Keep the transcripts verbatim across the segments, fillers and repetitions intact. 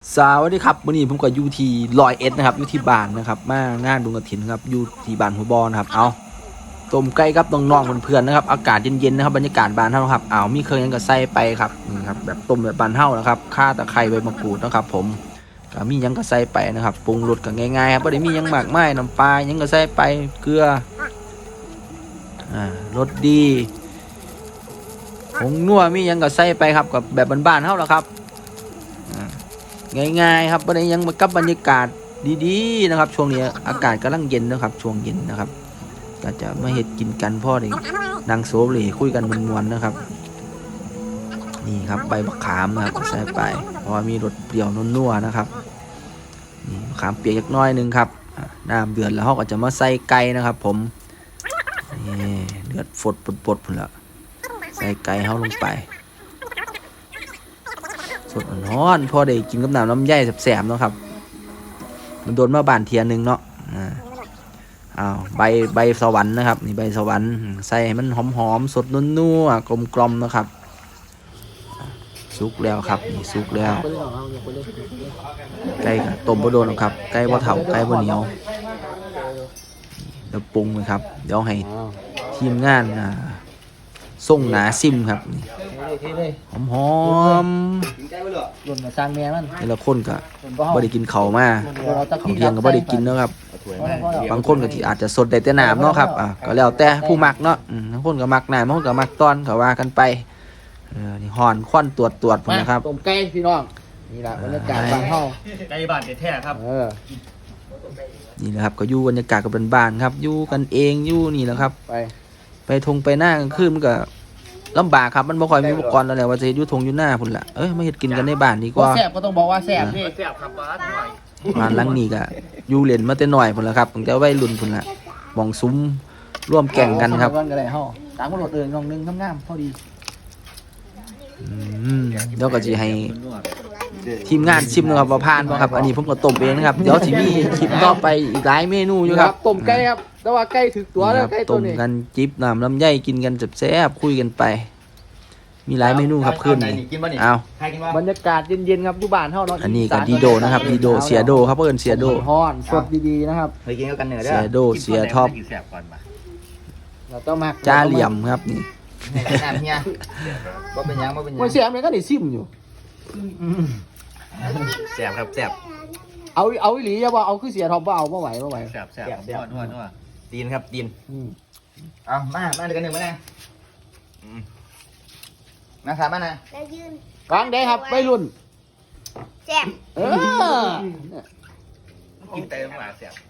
สวัสดีครับวันนี้ผมก็อยู่ที่ลอยเอ็ดนะครับอยู่ที่บ้านนะครับมางานบุญกฐินครับอยู่ที่บ้านหัวบอนะครับเอาต้มไก่กับน้องๆเพื่อนๆนะครับอากาศเย็นๆนะครับบรรยากาศบ้านเฮาครับเอามีเครื่องยังก็ใส่ไปครับนี่ครับแบบต้มแบบบ้านเฮานะครับข่าตะไคร้ใบมะกรูดนะครับผมก็มียังก็ใส่ไปนะครับปรุงรสก็ง่ายๆครับไม่ได้มียังมากมายน้ำปลายังก็ใส่ไปเกลืออ่ารสดีผงนัวมียังก็ใส่ไปครับกับแบบบ้านๆเฮาแล้วครับง่ายๆครับวันนี้ยังมากับบรรยากาศดีๆนะครับช่วงนี้อากาศกำลังเย็นนะครับช่วงเย็นนะครับก็จะมาเห็ดกินกันพ่อเด็กนางโซเล่คุยกันมวนๆนะครับนี่ครับใบมะขามนะครับใส่ไปเพราะว่ามีรสเปรี้ยวนัวๆนะครับนี่มะขามเปียกยักน้อยนึงครับน้ำเดือดแล้วเขาก็จะมาใส่ไก่นะครับผมนี่เดือดฝดปดๆพุ่นละใส่ไก่เขาลงไปสดร้อนพอได้กินกับน้ำลำไยแสบๆเนาะครับมันโดนมาบานเทียนหนึ่งเนาะอ่าอ้าวใบใบสวรรค์นะครับนี่ใบสวรรค์ใส่ให้มันหอมๆสดนัวๆกลมๆนะครับสุกแล้วครับนี่สุกแล้วไก่ต้มบะโดนครับไก่บะเถาไก่บะเหนียวเดี๋ยวปรุงเลยครับเดี๋ยวให้ทีมงานอ่าส่งหนาซิมครับนี่หอมหอมหล่นมาสร้างแม่มันนี่ละคนก็บ่ได้กินเข่ามาเขาเที่ยงก็บ่ได้กินเนาะครับบางคนก็ที่อาจจะสดได้แต่น้ำเนาะครับอ่ะก็แล้วแต่ผู้มักเนาะบางคนก็มักน้ำบางคนก็มักตอนก็ว่ากันไปเออนี่ห่อนควันตรวจตรวจผมนะครับต้มไก่พี่น้องนี่แหละบรรยากาศบ้านเฮาไก่บ้านแท้ๆครับเออนี่นะครับก็อยู่บรรยากาศกับบ้านๆครับอยู่กันเองอยู่นี่แหละครับไปไปทงไปหน้ากลางคืนมันก็ลำบากครับมันบ่ค่อยมีอุปกรณ์แล้วแหละว่าจะอยู่ทงอยู่หน้าพุ่นละเอ้ยมาเฮ็ดกินกันในบ้านดีกว่าแซ่บก็ต้องบอกว่าแซ่บนี่แซ่บครับบ้านหน่อยบ้านหลังนี้ก็อยู่เล่นมาแต่น้อยพุ่นละครับตั้งแต่วัยรุ่นพุ่นละมองซุ้มร่วมแข่งกันครับกันก็ได้เฮาตามกำหนดเอิ้นน้องนึงงามๆพอดีอืมเดี๋ยวก็สิให้ทีมงานชิมนะครับว่าผ่านบ่ครับอันนี้ผมก็ต้มเองนะครับเดี๋ยวสิมีคลิปต่อไปอีกหลายเมนูอยู่ครับต้มไก่ครับแต่ว่าไก่ถึกตัวแล้วไก่ตัวนี้ต้มกันจิบน้ำลำไยกินกันแซ่บๆคุยกันไปมีหลายเมนูครับขึ้นเอาบรรยากาศเย็นๆครับอยู่บ้านเฮาเนาะอันนี้ก็ดีโดนะครับดีโดเสียโดครับเพิ่นเสียโดฮ้อนสดดีๆนะครับเคยกินกันเหนือเด้อเสียโดเสียท็อปเราต้องมาจ้าเหลี่ยมครับนี่น้ำเฮียบ่เป็นยังบ่เป็นยังมันเสียมันก็ได้ซิมอยู่แซ่บครับแซ่บเอาเอาอีหลีอย่าว่าเอาคือเสียท็อปบ่เอาบ่ไหวบ่ไหวแซ่บแซ่บนัวนัวนัวตีนครับตีนเอามามาด้วยกันหนึ่งมานะมาครับมานะแล้วยืนวางได้ครับวัยรุ่นแซ่บเออกินเต็มหลายแซ่บ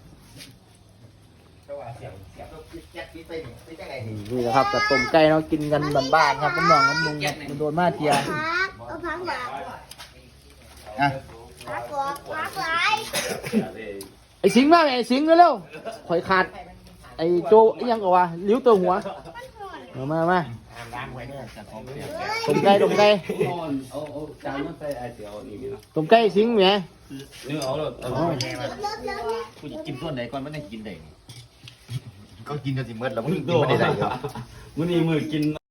นี่แหละครับกับต้มไก่เรากินกันบ้านๆครับน้องน้ำมุงมันโดนมาเทียพักเอาพักมาอ่ะพักก่อนพักไรไอ้สิงห์มาไอ้สิงห์เร็วๆข่อยขาดไอ้โจยังกว่าลิ้วตัวหัวมามามาต้มไก่ต้มไก่ต้มไก่สิงห์แหมเนื้อเอาเลยกูจะกินส่วนไหนก่อนไม่ได้กินไหนก็กินจนสิเมื่อแล้วมึงกินไม่ได้เลยมื้อนี้มื้อกิน